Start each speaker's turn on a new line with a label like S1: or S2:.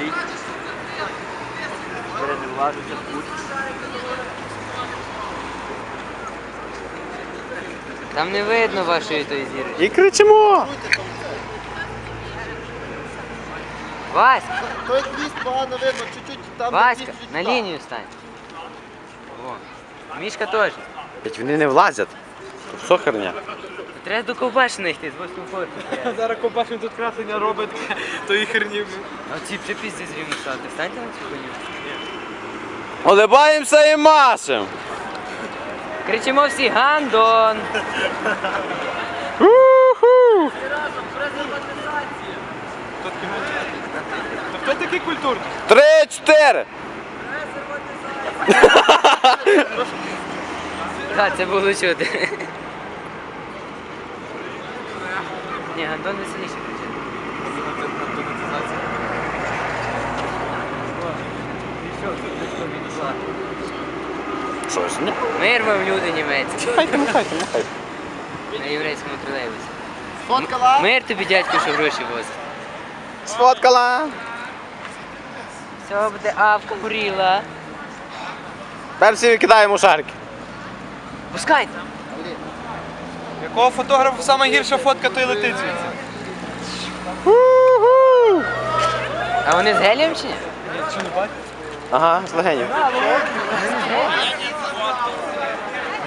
S1: стоїть. Переневлажиться тут.
S2: Там не видно вашої тої зірочки.
S3: І кричимо!
S2: Васька!
S1: Той хвіст погано видно, чуть-чуть там.
S2: Васька, на лінію стань. О. Мішка теж.
S3: Ведь вони не влазять. Що херня?
S2: Треба до ковбашини йти, з 8 поверху.
S4: Зараз Ковбашин тут красення робить, то і херні.
S2: А ці вже пізді зрівно стати. Станьте на цю коню.
S3: Улибаємося і машем!
S2: Кричимо всі Гандон!
S3: Уху!
S4: Хто такий культурний?
S3: 3-4!
S2: Так, це було чути. Ні, Гандон веселіше кричить.
S3: Щось, ні?
S2: Мир вам, люди німецькі.
S3: Махайте, махайте, махайте.
S2: На єврейському тролейбусі.
S1: Сфоткала?
S2: Мир тобі, дядьку, що гроші возить.
S3: Сфоткала!
S2: Все буде авка горіла.
S3: Перші викидаємо шарики.
S2: Пускайте.
S4: Якого фотографа саме гірша фотка, то й летить звідси.
S3: Уху!
S2: А вони з гелієм чи ні?
S4: Чи не бачиш?
S3: Ага, з легенів.
S2: Вони з гелієм?